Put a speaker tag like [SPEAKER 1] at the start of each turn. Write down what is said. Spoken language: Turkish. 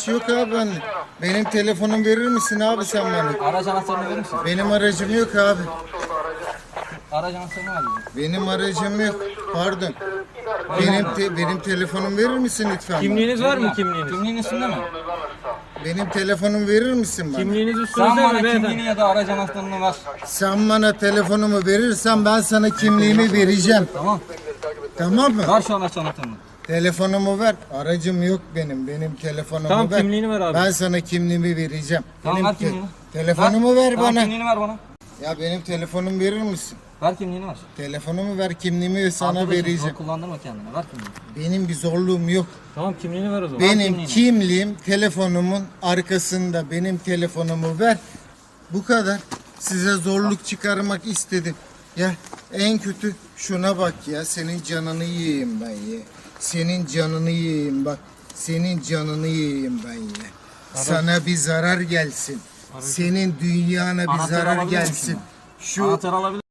[SPEAKER 1] ihtiyaç yok abi ben. Benim telefonumu verir misin abi sen bana?
[SPEAKER 2] Araç anahtarını verir misin?
[SPEAKER 1] Benim aracım yok abi.
[SPEAKER 2] Araç anahtarını ver bize.
[SPEAKER 1] Benim aracım yok. Pardon. Benim telefonumu verir misin lütfen?
[SPEAKER 3] Kimliğiniz var mı kimliğiniz?
[SPEAKER 2] Kimliğin üstünde mi?
[SPEAKER 1] Benim telefonumu verir misin bana?
[SPEAKER 3] Kimliğiniz
[SPEAKER 2] Sen
[SPEAKER 3] üstünüzde
[SPEAKER 2] bana
[SPEAKER 3] mi
[SPEAKER 2] kimliğini
[SPEAKER 3] beyefendi?
[SPEAKER 2] ya da araç anahtarını ver.
[SPEAKER 1] Sen bana telefonumu verirsen ben sana kimliğimi vereceğim.
[SPEAKER 2] Tamam.
[SPEAKER 1] Tamam mı?
[SPEAKER 2] Ver şu araç anahtarını.
[SPEAKER 1] Telefonumu ver. Aracım yok benim. Benim telefonumu
[SPEAKER 3] Tamam,
[SPEAKER 1] ver.
[SPEAKER 3] kimliğini ver abi.
[SPEAKER 1] Ben sana kimliğimi vereceğim.
[SPEAKER 2] Tamam,
[SPEAKER 1] Benim
[SPEAKER 2] ver kimliğini.
[SPEAKER 1] telefonumu ver
[SPEAKER 2] Tamam,
[SPEAKER 1] bana.
[SPEAKER 2] kimliğini ver bana.
[SPEAKER 1] Ya benim telefonumu verir misin?
[SPEAKER 2] Ver kimliğini ver.
[SPEAKER 1] Telefonumu ver, kimliğimi sana
[SPEAKER 2] Arkadaşım,
[SPEAKER 1] vereceğim.
[SPEAKER 2] zor kullandırma kendini. Ver kimliğini.
[SPEAKER 1] Benim bir zorluğum yok.
[SPEAKER 3] Tamam kimliğini ver o zaman.
[SPEAKER 1] Benim
[SPEAKER 2] kimliğini.
[SPEAKER 1] kimliğim telefonumun arkasında. Benim telefonumu ver. Bu kadar. Size zorluk çıkarmak istedim. Ya en kötü şuna bak ya. Senin canını yiyeyim ben ya. Senin canını yiyeyim bak. Senin canını yiyeyim ben ya. Sana bir zarar gelsin. Senin dünyana bir
[SPEAKER 2] Anahtarı
[SPEAKER 1] zarar
[SPEAKER 2] alabilir
[SPEAKER 1] gelsin.
[SPEAKER 2] misin?
[SPEAKER 1] Şu
[SPEAKER 2] Anahtarı alabilir